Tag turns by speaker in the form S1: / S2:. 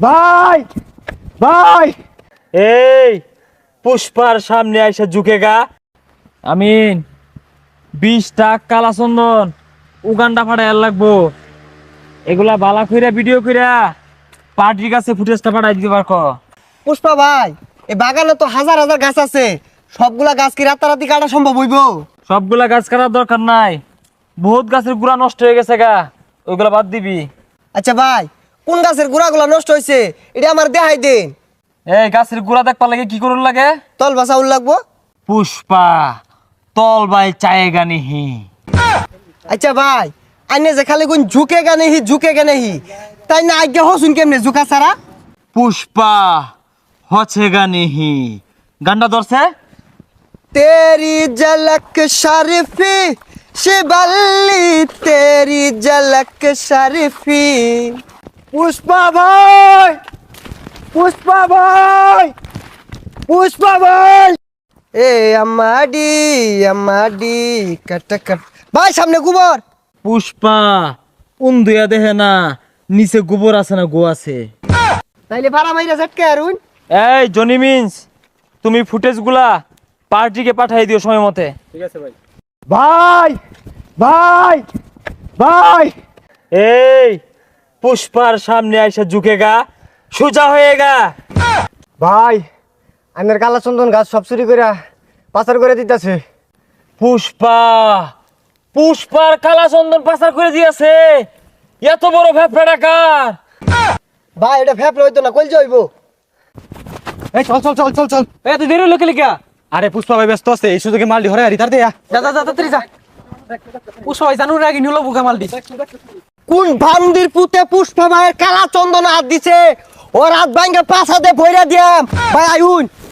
S1: ভাই ভাই
S2: এই পুষ্পার সামনে আইসা ঝুঁকেগা। আমিন 20টা কালা চন্দন উগান্ডা ফাটাই লাগবো। এগুলা বালা কইরা ভিডিও কইরা পার্টির কাছে ফুটেজটা পাঠাই দিতে পারকো।
S1: পুষ্পা ভাই, এই বাগানে তো হাজার হাজার গাছ আছে, সবগুলা গাছ কি রাতারাতি কাটা সম্ভব হইব?
S2: সবগুলা গাছ কাটার দরকার নাই, বহুত গাছের গুড়া নষ্ট হয়ে গেছে গা, ওইগুলা বাদ দিবি।
S1: আচ্ছা ভাই, কোন গাছের গুড়াগুলা নষ্ট হয়েছে এটা আমার দেখাই দেন।
S2: এই গাছের গুড়া দেখবার লাগে কি করুন লাগে?
S1: তল বাসা উল লাগবো।
S2: পুষ্পা তল বাই চায়েগা নিহি।
S1: আচ্ছা ভাই, আইনে যে খালি কোন ঝুঁকে গানে হি তাই না আজ্ঞা হসুন কেমনে ঝুঁকা ছাড়া?
S2: পুষ্পা হছেগা নিহি গান্ডা ধরছে।
S1: তেরি ঝলক শরফি শিবল্লি, তেরি ঝলক শরফি। পুষ্পা ভাই, পুষ্পা ভাই, পুষ্পা ভাই। এ আমাডি কট কট। ভাই সামনে গোবর।
S2: পুষ্পা উন্দুয়া দেহে না, নিচে গোবর আছে না গো আছে।
S1: তাইলে ভাড়া মাইরা ঝটকে আরুন।
S2: এই জনি মিন্স, তুমি ফুটেজগুলা পার্টিকে পাঠাই দিও সময় মতে।
S1: ঠিক আছে ভাই। ভাই ভাই ভাই,
S2: এই পুষ্পার সামনে আইসা ঝুঁকেগা, সোজা হয়েগা।
S1: ভাই আইনের কালা চন্দন গাছ সব চুরি করে পাচার করে দিতেছে।
S2: পুষ্পা পুষ্পার কালা চন্দন পাচার করে দিয়েছে, এত বড় ভ্যাপড়া ডাকার।
S1: ভাই এটা ফেপলে হইতো না, কইল যাইব।
S3: এই চল চল চল চল চল।
S2: এত দেরি হলো লিখা।
S3: আরে পুষ্পা ভাই ব্যস্ত আছে, এই সুযোগে মাল ধরে আর ইতার দেয়া।
S2: যা যা যা তাড়াতাড়ি যা। পুষ্পা ভাই জানুর আগে নিলো বুকা মাল দি।
S1: কোন ভান্দির পুতে পুষ্পা ভাইয়ের কালা চন্দন হাত দিছে, ওর হাত ভাঙ্গে পাছাতে ভইরা দিয়াম। ভাই আইউন।